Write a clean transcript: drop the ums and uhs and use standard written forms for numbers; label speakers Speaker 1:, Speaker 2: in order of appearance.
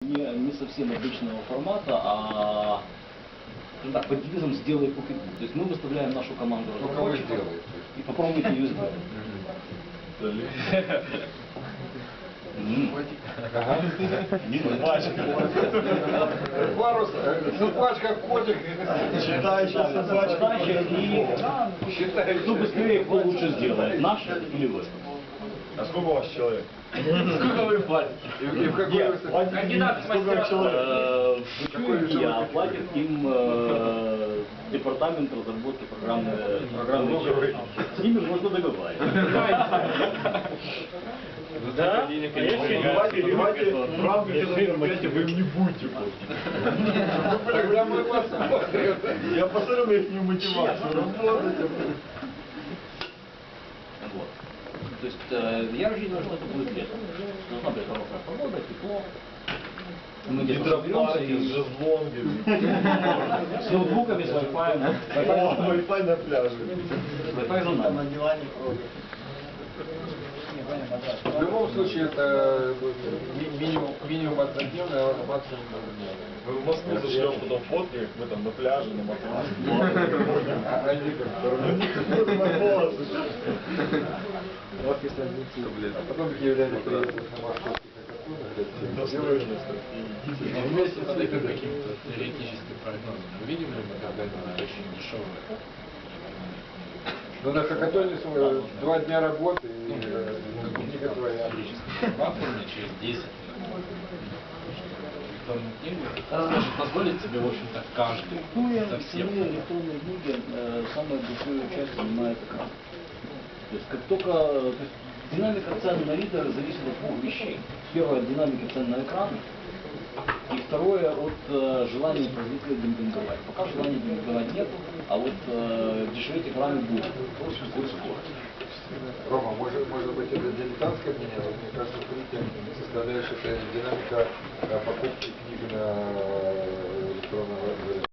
Speaker 1: не совсем обычного формата, а скажем так, под девизом «сделай покупку». То есть мы выставляем нашу команду разработчиков и попробуйте ее сделать.
Speaker 2: Собачка, котик.
Speaker 1: Считающая собачка. И кто быстрее, кто лучше сделает, наш или вы?
Speaker 3: А сколько у вас человек?
Speaker 4: Сколько вы платите?
Speaker 2: И в какой
Speaker 4: Кандидат в мастера.
Speaker 1: Я платит им департамент разработки программной части. С ними можно договариваться.
Speaker 4: Да?
Speaker 3: Давайте в рамках вы им не будете платить.
Speaker 2: Тогда мы посмотрим.
Speaker 3: Я посмотрю на их мотивацию работать.
Speaker 1: Вот. То есть я рассчитываю, что это будет летом. Должна быть хорошая погода, тепло. Мы где-то
Speaker 3: Гидропарки
Speaker 1: соберемся
Speaker 3: с шезлонгами.
Speaker 1: с ноутбуками, с Wi-Fi.
Speaker 3: Wi-Fi на пляже.
Speaker 1: Wi-Fi за нами.
Speaker 2: В любом случае, это минимум однодневный, а максимум двухдневный.
Speaker 3: Мы в Москву зашлем потом фотки, мы там на пляже, на матрасе.
Speaker 2: А они как
Speaker 3: На волосы.
Speaker 2: А потом киевляне приедут на московский хакатон.
Speaker 3: Достойно.
Speaker 4: Вместе с этим каким-то теоретическим прогнозом. Увидим ли мы когда-нибудь очень дешевое?
Speaker 2: Ну на хакатоне 2 дня работы и книга твоя.
Speaker 4: Платформе через 10 лет. Электронные книги может позволить себе, в общем-то, каждый совсем.
Speaker 1: Электронные книги самую большую часть занимает экран. То есть как только динамика цен на ридер зависит от двух вещей. Первое — от динамики цен на экран. И второе — от желания производителя демпинговать. Пока желания демпинговать нет, а вот дешеветь экраны будут. Будет скоро.
Speaker 2: Рома, может быть это дилетантское мнение, но мне кажется, составляющая это динамика покупки книг на электронном